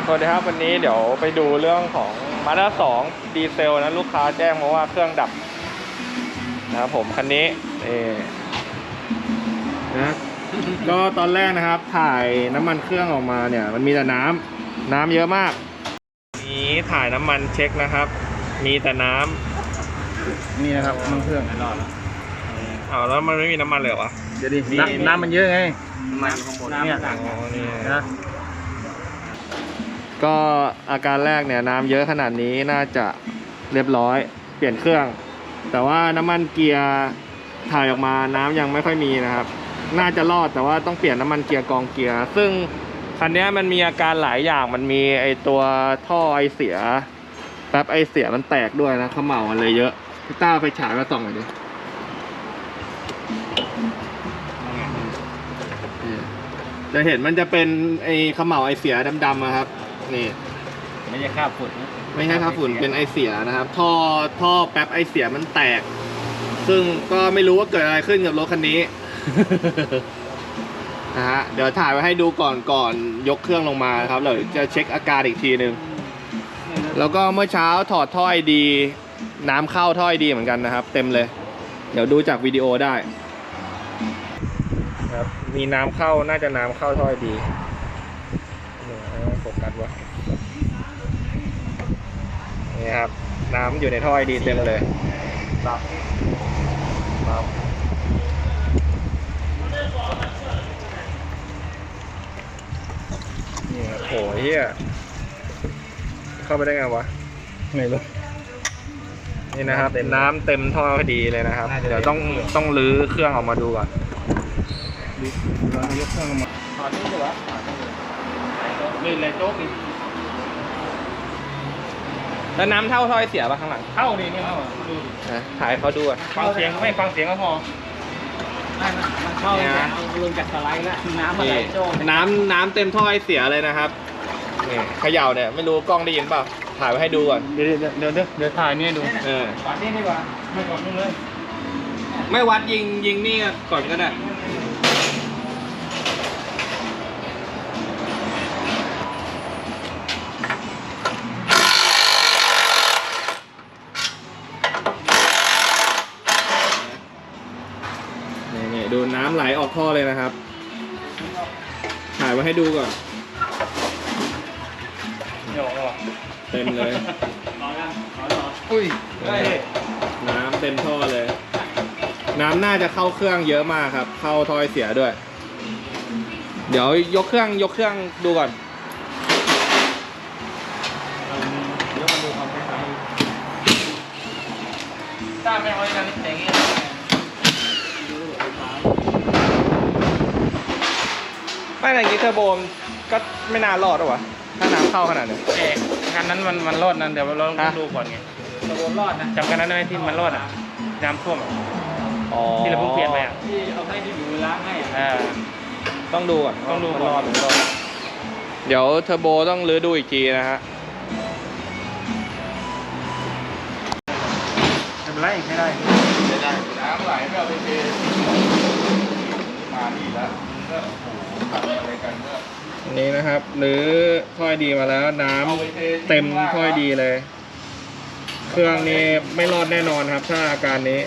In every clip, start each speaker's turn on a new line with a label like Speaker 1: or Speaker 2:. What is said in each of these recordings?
Speaker 1: สวัสดีครับวันนี้เดี๋ยวไปดูเรื่องของ Mazda 2ดีเซลนะลูกค้าแจ้งมาว่าเครื่องดับนะครับผมคันนี้นะก็ตอนแรกนะครับถ่ายน้ำมันเครื่องออกมาเนี่ยมันมีแต่น้ำเยอะมากนี้ถ่ายน้ำมันเช็คนะครับมีแต่น้ำนี่นะครับน้ำเครื่องรอดแล้วแล้วมันไม่มีน้ำมันเลยเหรอวะเดี๋ยวดิน้ำมันเยอะไงน้ำมันข้างบนเนี่ยนะก็อาการแรกเนี่ยน้ำเยอะขนาดนี้น่าจะเรียบร้อยเปลี่ยนเครื่องแต่ว่าน้ำมันเกียร์ถ่ายออกมาน้ำยังไม่ค่อยมีนะครับน่าจะรอดแต่ว่าต้องเปลี่ยนน้ำมันเกียร์กองเกียร์ซึ่งคันนี้มันมีอาการหลายอย่างมันมีไอตัวท่อไอเสียแป๊บไอเสียมันแตกด้วยนะเขม่ามันเลยเยอะพี่ต้าไปฉายมาส่องหน่อยดิจะเห็นมันจะเป็นไอเขม่าไอเสียดำๆครับนี่
Speaker 2: ไม่ใช่ค่าฝุ่น
Speaker 1: ไม่ใช่ค่าฝุ่นเป็นไอเสียนะครับท่อแป๊บไอเสียมันแตกซึ่งก็ไม่รู้ว่าเกิดอะไรขึ้นกับรถคันนี้ นะฮะเดี๋ยวถ่ายไว้ให้ดูก่อนยกเครื่องลงมาครับเดี๋ยวจะเช็คอาการอีกทีนึงแล้วก็เมื่อเช้าถอดท่อไอดีน้ำเข้าท่อไอดีเหมือนกันนะครับเต็มเลยเดี๋ยวดูจากวิดีโอได้ครับมีน้ำเข้าน่าจะน้ำเข้าท่อไอดีโฟกัสวะนี่ครับน้ำอยู่ในท่อไอดีเต็มเลยครับนี่โหเฮียเข้าไปได้ไงวะไม่รู้นี่นะครับน้ำเต็มท่อพอดีเลยนะครับเดี๋ยวต้องรื้อเครื่องออกมาดูก่อนเรายกเครื่องออกมาถอดนี่ดีวะลื่นเลยโจ๊กอีกแล้วน้ำเท่าท่อเสียป่ะข้างหลัง
Speaker 2: เข้าดีนี่เข้า
Speaker 1: ถ่ายเขาดูอ่ะ
Speaker 2: ฟังเสียงไม่ฟังเสียงก็พอมันเข้าเนี่ยลงจากสไลด์แล้วน้ำอะไรโจ้
Speaker 1: น้ำเต็มท่อเสียเลยนะครับนี่เขย่าเนี่ยไม่รู้กล้องได้ยินเปล่าถ่ายไว้ให้ดูก่อน
Speaker 2: เดี๋ยวถ่ายนี่ดูวัดนี่ดีกว่าไม่กดนู่นเลย
Speaker 1: ไม่วัดยิงนี่ก่อนก็ได้นี่ดูน้ำไหลออกท่อเลยนะครับถ่ายไว้ให้ดูก่อนเต็มเลย
Speaker 2: อุ้ย
Speaker 1: น้ำเต็มท่อเลยน้ำน่าจะเข้าเครื่องเยอะมากครับเข้าท่อเสียด้วยเดี๋ยวยกเครื่องดูก่อน
Speaker 2: ยกมาดูความแข็งถ้าไม่เอาอย่างนี้แต่งงี้
Speaker 1: ไม่อะไรงี้เทอร์โบก็ไม่น่ารอดหรอวะถ้าน้ำเข้าขนาดนี้
Speaker 2: คันนั้นมันรอดนั่นเดี๋ยวเราต้องดูก่อนไงเทอร์โบรอดนะจำกันนั้นได้ไหมที่มันรอดอ่ะน้ำท่วมที่เราเพิ่งเปลี่ยนไปอ่ะที่เอาให้ที่อยู่ล้างให้
Speaker 1: ต้องดูก่อนรอดเดี๋ยวเทอร์โบต้องรื้อดูอีกทีนะฮะ
Speaker 2: ไม่เป็นไรใช้ได้
Speaker 3: น้ำไหลไม่เอาไปเทมาดีแล้วก็โอ้โหอะไรกันก็
Speaker 1: อันนี้นะครับหรือท่อดีมาแล้วน้ำเต็มท่อดีเลยเครื่องนี้ไม่รอดแน่นอนครับถ้าอาการนี้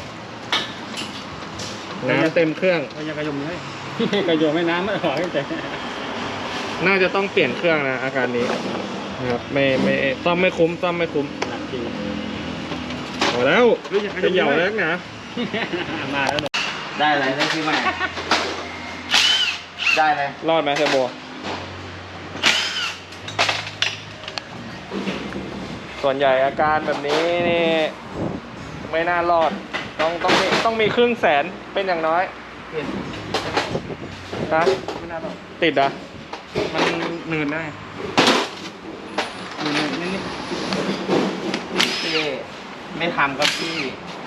Speaker 1: น้ำเต็มเครื่อง
Speaker 2: ยังกระยมเลยกระยมไม่น้ำไม่หอยแต่
Speaker 1: น่าจะต้องเปลี่ยนเครื่องนะอาการนี้นะครับไม่ซ่อมไม่คุ้ม
Speaker 2: หนักจริง
Speaker 1: พอแล้วจะเหย่าแล้วนะ
Speaker 2: มาแล้ว
Speaker 3: ได้อะไรได้คือใหม่ได้เลย
Speaker 1: รอดไหมเทอร์โบส่วนใหญ่อาการแบบนี้นี่ไม่น่ารอดต้องมีครึ่งแสนเป็นอย่างน้อยนะ
Speaker 2: ไม่น่ารอด
Speaker 1: ติดอ่ะ
Speaker 2: มันหนืดได้นิดไม่ทำกับพี่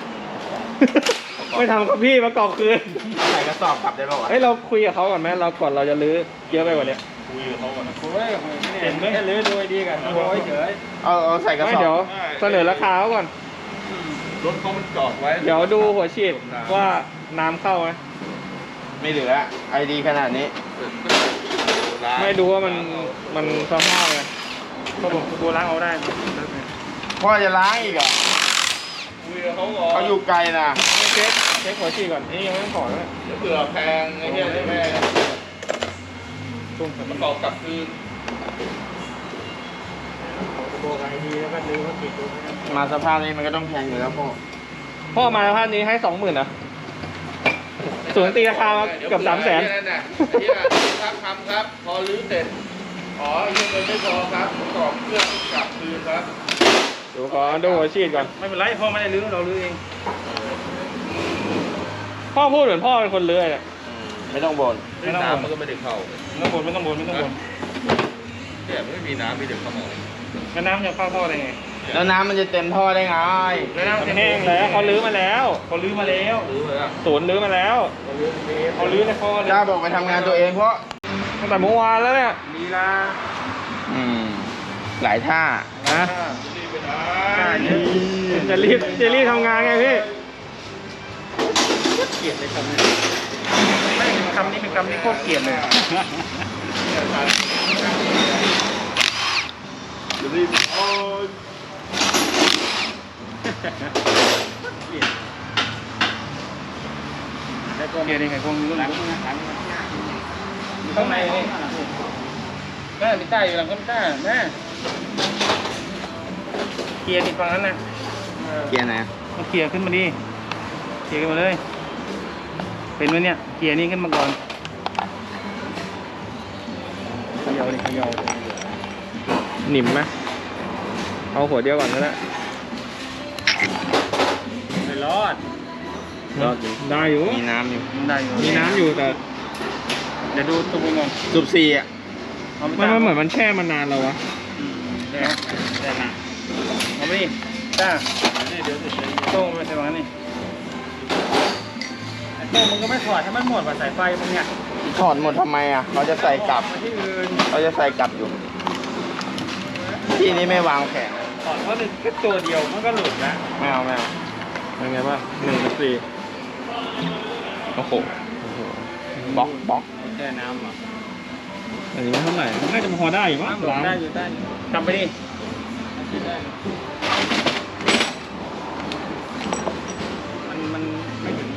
Speaker 1: ไม่ทำกับพี่มากอกคืน
Speaker 3: ใส่กระสอบกลับได้ป่าวะ
Speaker 1: เราคุยกับเขาก่อนไหมก่อนเราจะลื้อเยอะไปกว่านี้
Speaker 3: คุยกับเขาก่อน
Speaker 2: เห็นไหมลื้อดูดีกันโอ้ยเฉย
Speaker 3: เอาใส่กระสอบ
Speaker 1: เดี๋ยวเสนอราคาเขาก่อน
Speaker 3: รถเขามันจอดไว้
Speaker 1: เดี๋ยวดูหัวฉีดว่าน้ำเข้าไหม
Speaker 3: ไม่เหลือไอดีขนาดนี้
Speaker 1: ไม่ดูว่ามันสภาพไง
Speaker 2: เขาบอกโบล้างเอาได้
Speaker 3: พ่อจะล้างอีกเหรอ
Speaker 2: คุยกับเขาก่อน
Speaker 3: เขาอยู่ไกลนะ
Speaker 2: เช็คหัวฉีดก่อนนี่ยังไม่ต้องถอดเลย
Speaker 3: เดี๋ยวเผื่อแพงไอ้เนี่ยเดี๋ยวแม่
Speaker 2: ตุ้ม
Speaker 3: มันบอกกลับคืน
Speaker 2: โบกไอดีแล้วก็ลืมเขาติดดู
Speaker 3: มาสภาพนี้มันก็ต้องแพงอยู่แล้วพ่อ
Speaker 1: พ่อมาภาพนี้ให้ 20,000นะส่วนตีราคามาเกือบ300,000
Speaker 3: นั่นน่ะที่ครับทำครับ พอรื้อเสร็จอ๋อยังเงินไม่พอครับประกอบเครื่องกลับคืนครับ
Speaker 1: เดี๋ยวขอดูหัวฉีดก่อน
Speaker 2: ไม่เป็นไรพ่อไม่ได้ลื้อเราลื้อเอง
Speaker 1: พ่อพูดเหมือนพ่อเป็นคนเลื้อยเนี่ย
Speaker 3: ไม่ต้องบ่น
Speaker 2: ไม่ต้องบ่น
Speaker 3: น้ำมันก็ไม่ได้เข้า
Speaker 2: ไม่ต้องบ่นไม่ต้องบ่นไม่ต้องบ่น
Speaker 3: เนี่ยมันไม่มีน้ำมีแต่ขโมย
Speaker 2: แล้วน้ำจะเข้าท่อได้ไง
Speaker 3: แล้วน้ำมันจะเต็มท่อได้ไง
Speaker 2: แล้วน้ำ
Speaker 1: มันแห้งแล้วเขาลื้อมาแล้ว
Speaker 2: เขาลื้อมาแล้ว
Speaker 3: รื้อเลยอ่ะ
Speaker 1: ศูนย์ลื้อมาแล้ว
Speaker 2: เขาลื้อในท่อเลย
Speaker 3: จ้าบอกไปทำงานตัวเองเพราะ
Speaker 1: ตั้งแต่เมื่อวานแล้วเนี่ย
Speaker 2: ลีลา
Speaker 3: หลายท่า
Speaker 1: นะ
Speaker 2: ใช่
Speaker 1: จะรีบทำงานไงพี่
Speaker 2: เกลียดเลยคำนี้ไม่คำนี้เป็นคำที่โคตรเกลียดเลย
Speaker 3: รีบโอ้ย
Speaker 2: เกลียดยังไงคงรู้หลังข้างในนี่แม่มีใต้อยู่หลังก็มีใต้แม่เกียร์ติดฝั่งนั้นนะ
Speaker 3: เกียร์ไหน
Speaker 2: มันเกียร์ขึ้นมาดิเกียร์ขึ้นมาเลย เป็นไหมเนี่ยเกียร์นี้ขึ้นมาก่อนเขย่าดิเขย่า
Speaker 1: หนิมไหมเอาหัวเดียวก่อนก็ได้
Speaker 2: ไม่รอด
Speaker 1: ได้อยู่
Speaker 3: มีน้ำอยู่
Speaker 2: มันได้อยู่
Speaker 1: มีน้ำอยู่แต่
Speaker 2: เดี๋ยวดูตัวบุญก่อน
Speaker 3: สูบสี่อ่ะ
Speaker 2: เอาไม่
Speaker 1: มันเหมือนมันแช่มานานแล้ววะ
Speaker 2: ได้ได้นะเอาไปดิจ้าเดี๋ยวโต้งไปใส่ฝั่งนั้นนี่โต้งมึงก็ไม่ถอดให้มันหมดว่าสายไฟมึงเนี่ย
Speaker 3: ถอดหมดทำไมอ่ะเขาจะใส่กลับ
Speaker 2: มาที่อื่น
Speaker 3: เขาจะใส่กลับอยู่ ที่นี้ไม่วางแผง
Speaker 2: ถอดเพราะแค่ตัวเดียวมันก็หลุดแล้ว
Speaker 3: ไม่เอาไม่เอา
Speaker 1: เป็นไงบ้าง1 4
Speaker 3: โอ้โหบล็อก
Speaker 2: แช่น้ำอ่ะ
Speaker 1: อันนี้ไม่เท่าไหร่น่าจะพอได้อยู่มั้งล้าง
Speaker 2: ได้อยู่ได้กลับไปดิมันไม่ถึง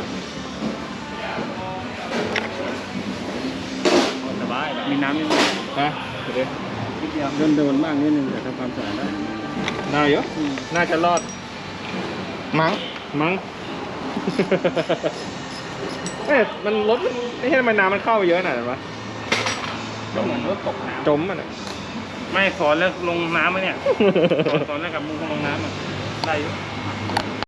Speaker 2: สบายมีน้ำนิดนึง
Speaker 1: ไปเดี๋ยว
Speaker 2: นิดเดียวโดนบ้างนิดนึงแต่ทำความสะอาดได้
Speaker 1: ได้เยอะน่าจะรอด
Speaker 3: มั้ง
Speaker 1: มั้ง เอ๊ะมันลดไม่ใช่ทำไมน้ำมันเข้าไปเยอะขนาดนั้นวะ
Speaker 2: ก็เหมือนรถตกน้ำ
Speaker 1: จมมันอ่ะ
Speaker 2: ไม่สอนแล้วลงน้ำไหมเนี่ย สอนแล้วกับมึงลงน้ำอ่ะได้อยู่